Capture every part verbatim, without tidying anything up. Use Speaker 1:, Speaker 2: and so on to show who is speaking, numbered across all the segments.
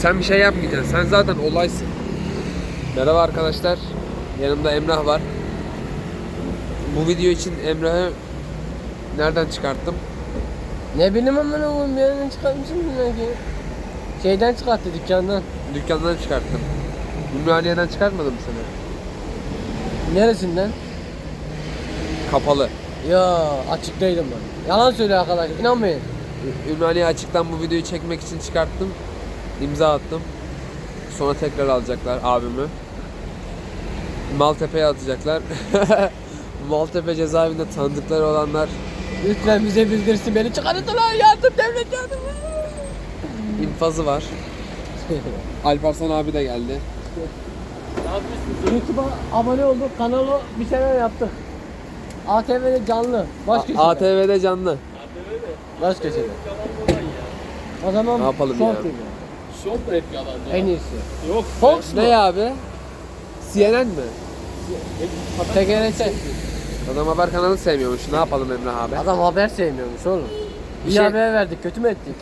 Speaker 1: Sen bir şey yapmayacaksın. Sen zaten olaysın. Merhaba arkadaşlar. Yanımda Emrah var. Bu video için Emrah'ı nereden çıkarttım?
Speaker 2: Ne bileyim ama ne oğlum bir yerden çıkartmışım bilmiyorum ki. Şeyden çıkarttı dükkandan.
Speaker 1: Dükkandan çıkarttım. Ümraniye'den çıkartmadım mı seni?
Speaker 2: Neresinden?
Speaker 1: Kapalı.
Speaker 2: Ya açıktaydım ben. Yalan söylüyor arkadaş inanmayın.
Speaker 1: Ü- Ümraniye açıktan bu videoyu çekmek için çıkarttım. İmza attım. Sonra tekrar alacaklar abimi. Maltepe'ye atacaklar. Maltepe cezaevinde tanıdıkları olanlar
Speaker 2: Lütfen bize bildirsin beni çıkarttılar yardım devlet yardım.
Speaker 1: infazı var. Alparslan abi de geldi.
Speaker 2: Ne yapıyorsunuz? YouTube'a abone olduk, kanalı bir şeyler yaptık. A T V'de canlı, baş köşede.
Speaker 1: A T V'de canlı.
Speaker 2: Baş köşede. O zaman
Speaker 1: Ne yapalım
Speaker 2: Fox
Speaker 1: ya?
Speaker 2: gibi.
Speaker 3: Şok mu hep yalan ya?
Speaker 2: En iyisi.
Speaker 3: Yok.
Speaker 2: Fox mu?
Speaker 1: Ne abi? C N N mi?
Speaker 2: T G R T.
Speaker 1: Adam haber kanalı sevmiyormuş. Ne yapalım Emrah abi?
Speaker 2: Adam haber sevmiyormuş oğlum.
Speaker 1: Bir
Speaker 2: İyi
Speaker 1: şey-
Speaker 2: haber verdik, kötü mü ettik?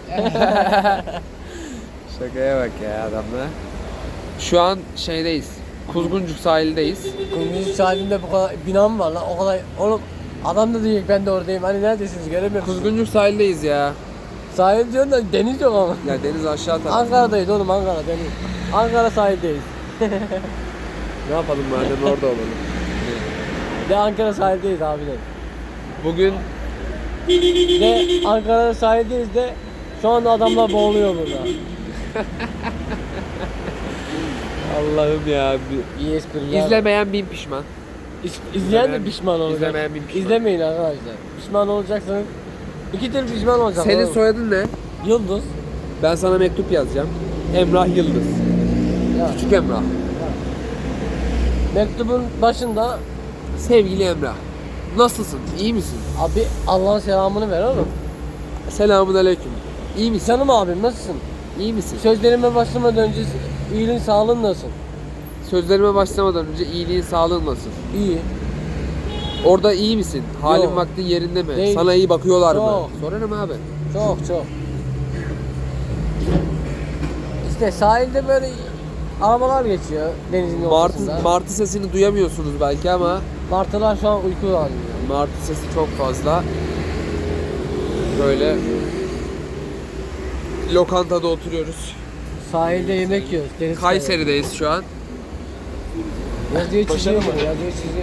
Speaker 1: Şakaya bak ya adamla. Şu an şeydeyiz. Kuzguncuk sahildeyiz.
Speaker 2: Kunduz sahibinde bu kadar bina mı var lan? O kadar oğlum adam da diyecek ben de oradayım. Hani neredesiniz göremiyorum.
Speaker 1: Kuzguncuk sahildeyiz ya.
Speaker 2: Sahil diyorsun da deniz yok ama.
Speaker 1: Ya deniz aşağı taraf.
Speaker 2: Ankara'dayız oğlum Ankara deniz. Ankara sahildeyiz.
Speaker 1: Ne yapalım madem orada olalım.
Speaker 2: De Ankara sahildeyiz abi de.
Speaker 1: Bugün
Speaker 2: De Ankara sahildeyiz de şu anda adamlar boğuluyor burada.
Speaker 1: Allah'ım ya.
Speaker 2: İyi espriler.
Speaker 1: İzlemeyen bin pişman.
Speaker 2: İz- İzleyen de pişman olacak.
Speaker 1: İzlemeyen bir pişman.
Speaker 2: İzlemeyin arkadaşlar. Pişman olacaksanız iki tür pişman olacak.
Speaker 1: Senin
Speaker 2: oğlum.
Speaker 1: soyadın ne?
Speaker 2: Yıldız.
Speaker 1: Ben sana mektup yazacağım. Emrah Yıldız.
Speaker 2: Ya.
Speaker 1: Küçük Emrah.
Speaker 2: Mektubun başında
Speaker 1: Sevgili Emrah. Nasılsın? İyi misin?
Speaker 2: abi Allah'ın selamını ver oğlum.
Speaker 1: Selamun aleyküm. İyi misin?
Speaker 2: Canım abim nasılsın?
Speaker 1: İyi misin?
Speaker 2: Sözlerime başlamadan önce iyiliğin sağlığın nasıl?
Speaker 1: Sözlerime başlamadan önce iyiliğin, sağlığın nasıl?
Speaker 2: İyi.
Speaker 1: Orada iyi misin? Halin
Speaker 2: Yok.
Speaker 1: vaktin yerinde mi?
Speaker 2: Değil.
Speaker 1: Sana iyi bakıyorlar mı?
Speaker 2: Çok.
Speaker 1: Sorarım abi.
Speaker 2: Çok çok. İşte sahilde böyle arabalar geçiyor denizin ortasında.
Speaker 1: Martı, martı sesini duyamıyorsunuz belki ama
Speaker 2: Martılar şu an uyku halinde.
Speaker 1: martı sesi çok fazla. Böyle lokantada oturuyoruz.
Speaker 2: Sahilde yemek yiyoruz. Deniz
Speaker 1: Kayseri'deyiz şu an.
Speaker 2: kenarı. Yazıyı çiziyor mu? Yazıyı çiziyor.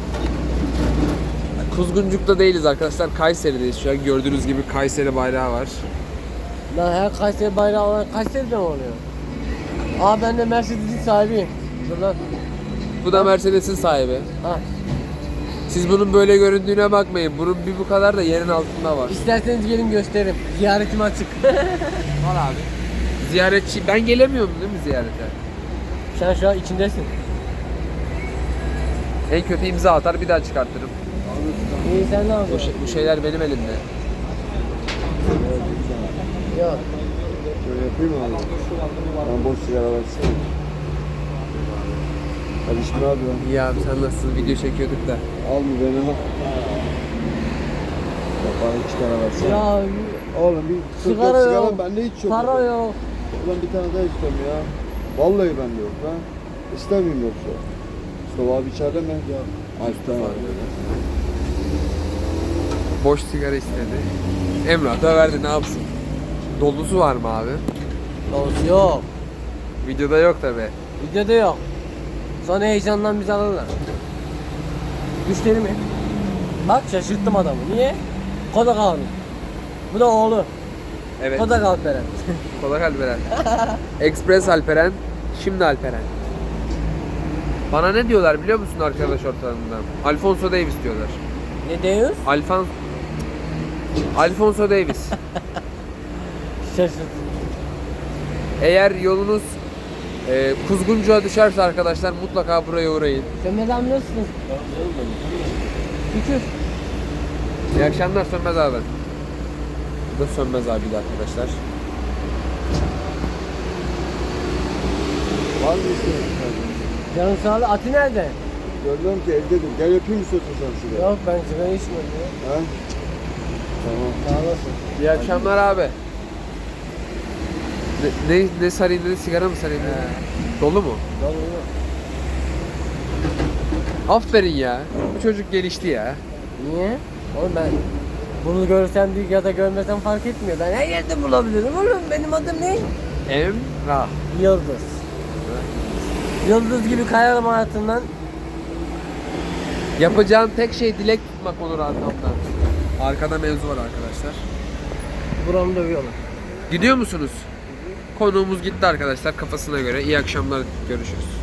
Speaker 1: Kuzguncuk'ta değiliz arkadaşlar. Kayseri'deyiz şu an. Gördüğünüz gibi Kayseri bayrağı var.
Speaker 2: Lan her Kayseri bayrağı olan Kayseri'de mi oluyor? Aa ben de Mercedes'in sahibiyim. Dur lan.
Speaker 1: Bu da Mercedes'in sahibi.
Speaker 2: Ha.
Speaker 1: Siz bunun böyle göründüğüne bakmayın. Bunun bir bu kadar da yerin altında var.
Speaker 2: İsterseniz gelin gösteririm. Ziyaretim açık.
Speaker 1: Var abi. Ziyaretçi. Ben gelemiyorum değil mi ziyarete?
Speaker 2: Sen şu an içindesin.
Speaker 1: En kötü imza atar bir daha çıkartırım.
Speaker 2: İyi sen ne
Speaker 1: Bu,
Speaker 2: yapıyorsun?
Speaker 1: şey- bu şeyler benim elimde.
Speaker 2: Yok.
Speaker 4: Şöyle yapayım mı abi? Ben boş sigara versene. Kardeşim ne yapıyorsun?
Speaker 1: İyi abi sen nasılsın? Video çekiyorduk da.
Speaker 4: Al mı beni al. Bak bana iki tane versene.
Speaker 2: Ya
Speaker 4: Oğlum bir
Speaker 2: sigara
Speaker 4: sigara
Speaker 2: yok.
Speaker 4: bende hiç yok.
Speaker 2: Para yok.
Speaker 4: Ulan bir tane daha istiyorum ya. Vallahi bende yok ha. İstemeyeyim yoksa. Mustafa abi içeride mi? Ya. Ay tamam.
Speaker 1: Boş sigara istedi. Emrah da verdi ne yapsın? Dolusu var mı abi?
Speaker 2: Olsun yok.
Speaker 1: Videoda yok tabi.
Speaker 2: Videoda yok. Sonra heyecandan bizi alırlar. Müşteri mi? Bak şaşırttım adamı. Niye? Kodak abi. Bu da oğlu.
Speaker 1: Evet.
Speaker 2: Kodak Alperen.
Speaker 1: Kodak Alperen. Express Alperen. Şimdi Alperen. Bana ne diyorlar biliyor musun arkadaş ortamından? Alfonso Davis diyorlar.
Speaker 2: Ne diyoruz?
Speaker 1: Alfon Alfonso Davis.
Speaker 2: Şaşırt.
Speaker 1: Eğer yolunuz e, Kuzguncuğa düşerse arkadaşlar mutlaka buraya uğrayın.
Speaker 2: Sönmez abi nasılsın? Şükür.
Speaker 1: İyi akşamlar Sönmez abi. Bu da Sönmez abi de arkadaşlar.
Speaker 4: Var mı istiyorsun?
Speaker 2: Canım sağ ol. Ati nerede?
Speaker 4: Görmüyorum ki evdedir. Gel yapayım istiyorsun sen sigara.
Speaker 2: Yok ben sigara içmiyorum ya.
Speaker 4: Ha? Tamam.
Speaker 2: Sağ olasın.
Speaker 1: İyi akşamlar abi. Ne, ne, ne sarayım dedi, sigara mı sarayım dedi?
Speaker 2: He.
Speaker 1: Dolu mu?
Speaker 2: Dolu dolu.
Speaker 1: Aferin ya. Bu çocuk gelişti ya.
Speaker 2: Niye? Oğlum ben bunu görsem büyük ya da görmesem fark etmiyor. Ben her yerde bulabilirim oğlum. Benim adım ne?
Speaker 1: Emrah.
Speaker 2: Yıldız. Yıldız gibi kayarım hayatından.
Speaker 1: Yapacağın tek şey dilek tutmak olur arkamdan. Arkada mevzu var arkadaşlar.
Speaker 2: Buramı dövüyorlar.
Speaker 1: Gidiyor musunuz? Konuğumuz gitti arkadaşlar kafasına göre. İyi akşamlar, görüşürüz.